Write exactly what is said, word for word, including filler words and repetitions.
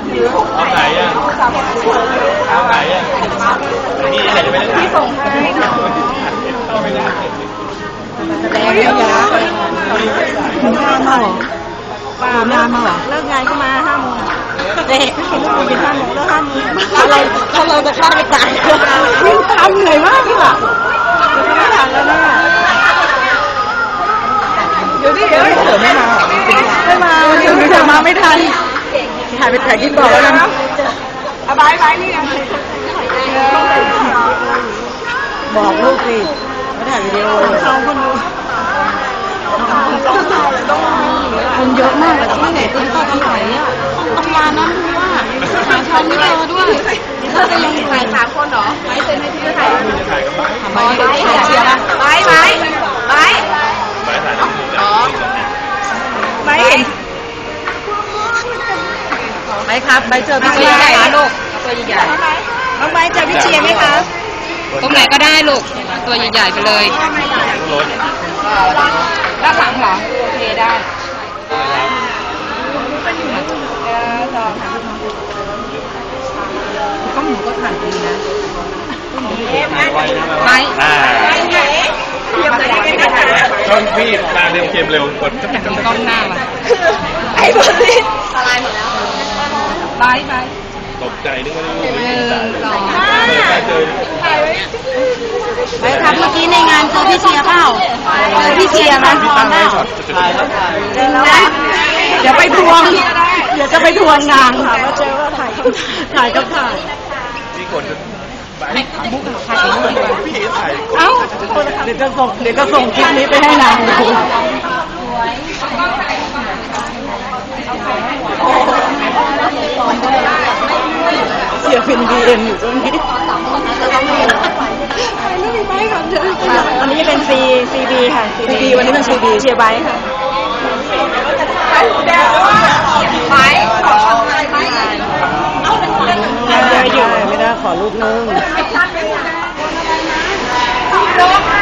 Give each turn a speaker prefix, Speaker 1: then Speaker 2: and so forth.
Speaker 1: เอาไหนอ่ะเอาไหนอ่ะนี่ไหนจะไปเล่นที่ส่งให้เข้าไม่ได้
Speaker 2: แสดงระยะถึงห้าโมงป้าห้าโมงเลิกงานก็มาห้าโมงเด็กเห็นลูกอยู่ห้าโมงเลิกห้าโมงถ้าเราถ้าเราจะฆ่าไม่ตายวิ่งทำเหนื่อยมากค่ะไม่ทันแล้วนะเดี๋ยวดิเดี๋ยวเสือไม่มาไม่มาเดี๋ยวเสือมาไม่ทันถ่ายไปถ่ายที่บอกแล้วกันเอาบายบายนี่ยังบอกลูกสิไม่ถ่ายวิดีโอสองคนดูคนเยอะมากเลยที่ไหนต้นต้นที่ไหนอ่ะทำงานนะรู้ว่าหาชาวไม่เจอด้วยเธอจะยังถ่ายสามคนเหรอไม่เซ็นให้พี่ถ่ายทำไมถ่ายเชียร์นะไปไปไปอ๋อไม่เห็นไม่ครับใบเจอพี่เชียร์ได้ลูกตัวใหญ่น้องใบเจอพี่เชียร์ไหมคะตรงไหนก็ได้ลูกตัวใหญ่ๆไปเลยด้านหลังเหรอโอเคได้ก็หมูก็ถ่ายดีนะไป
Speaker 1: ช่องพี่ตาเดิมเกมเร็วกดจะเป็นกล้องหน้าว่ะ
Speaker 2: ไอ้บอลนี่สไลด์หมดแล้วไปไป
Speaker 1: ตกใจนึกว่าได้รู้
Speaker 2: ไปครับเมื่อกี้ในงานเจอพี่เชียร์เปล่าเจอพี่เชียร์นะตอนนั้นเดี๋ยวไปทวงเดี๋ยวจะไปทวงงานค่ะว่าเจอว่าถ่ายถ่ายกับถ่าย
Speaker 1: นี่กด
Speaker 2: ให้บุ๊กถ่ายกับบุ๊กดีกว่าเอ้าเดี๋ยวจะส่งเดี๋ยวจะส่งคลิปนี้ไปให้นางดูเชียร์เป็นบีเอ็มอยู่ตรงนี้วันนี้เป็นซีซีบีค่ะซีบีวันนี้เป็นซีบีเชียร์ไบค์ค่ะไบค์ขอไบค์ไม่ได้อยู่ไม่ได้ขอรูปนึง